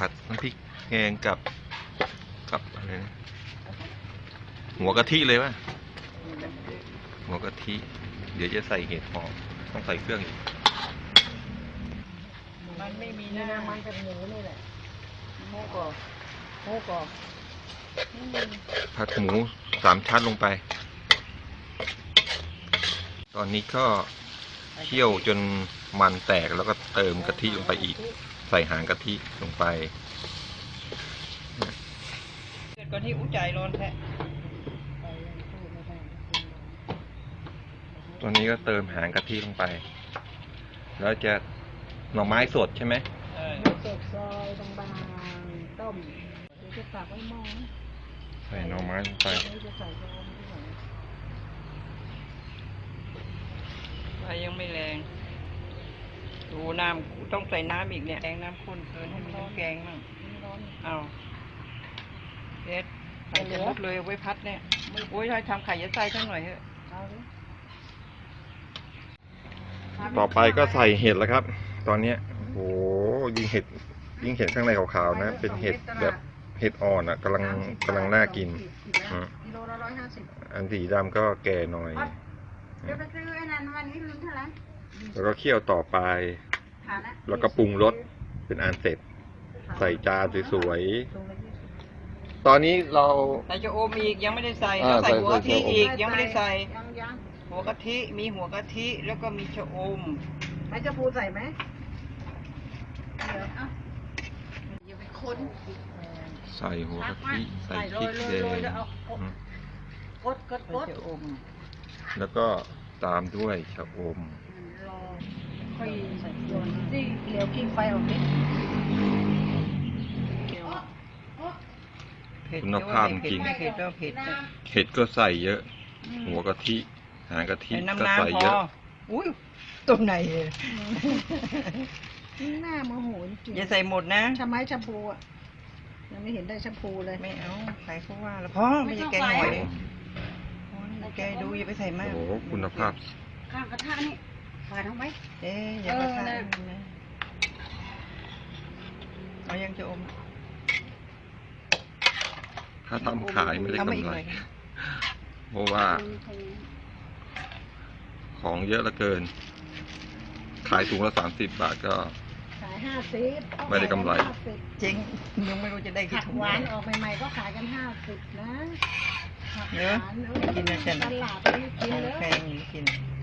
ผัดน้ำพริกแกงกับอะไรนะหัวกะทิเลยวะหัวกะทิเดี๋ยวจะใส่เห็ดหอมต้องใส่เครื่องอีกมันไม่มีนะมันเป็นหมูนี่แหละหมูกรอบผัดหมู3 ชั้นลงไปตอนนี้ก็เคี่ยวจนมันแตกแล้วก็เติมกะทิลงไปอีกใส่หางกะทิลงไปเกิดก่อนที่อุ้งใจร้อนแท้ตัวนี้ก็เติมหางกะทิลงไปแล้วจะหน่อไม้สดใช่ไหมสดซอยบางๆต้มเดี๋ยวจะตักไว้หม้อใส่หน่อไม้ลงไปไฟยังไม่แรงดูน้ำต้องใส่น้ำอีกเนี่ยแกงน้ำข้นเกินให้มีน้ำแกงมั่งเอาเด็ดใส่จะมุดเลยไว้พัดเนี่ยโอ้ยถ้าทำไข่จะใส่ทั้งหน่อยเถอะต่อไปก็ใส่เห็ดแล้วครับ ตอนนี้โอ้ยิ่งเห็ดข้างในขาวๆนะเป็นเห็ดแบบเห็ดอ่อนอ่ะกำลังน่ากินกิโลละ150 อันสีดำก็แก่หน่อยเดี๋ยวไปซื้อไอ้นั่นวันนี้ลืมเท่าไหร่แล้วก็เคี่ยวต่อไปแล้วก็ปรุงรสเป็นอันเสร็จใส่จานสวยๆตอนนี้เราใส่จะโอมอีกยังไม่ได้ใส่ต้องใส่หัวกะทิอีกยังไม่ได้ใส่หัวกะทิมีหัวกะทิแล้วก็มีชะอมใส่จะพูใส่ไหมอย่าไปค้นใส่หัวกะทิใส่พริกแดงกดชะอมแล้วก็ตามด้วยชะอมค่อยใส่โยนนี่เหลียวกิ้งไฟออกนิดคุณภาพจริงเห็ดก็ใส่เยอะหัวกะทิหางกะทิก็ใส่เยอะอุ้ยตรงไหนหน้าโมโหจริงอย่าใส่หมดนะชะไม้ชะพูอ่ะยังไม่เห็นได้ชะพูเลยไม่เอาใส่เขาว่าแล้วพ่อไม่ใช่แกงหอยแกดูอย่าไปใส่มากโอ้คุณภาพข้างกระทะนี่ฝาดเอาไว้อย่ากระทะเอายังจะอมถ้าทำขายไม่ได้กำไรเพราะว่าของเยอะเหลือเกินขายถุงละ30 บาทก็ขาย50 ไม่ได้กำไรจริงยังไม่รู้จะได้กี่ถุงหวานออกใหม่ๆก็ขายกัน50นะเนอะกินนะจ๊ะตลาดไปกินแล้วแพงกิน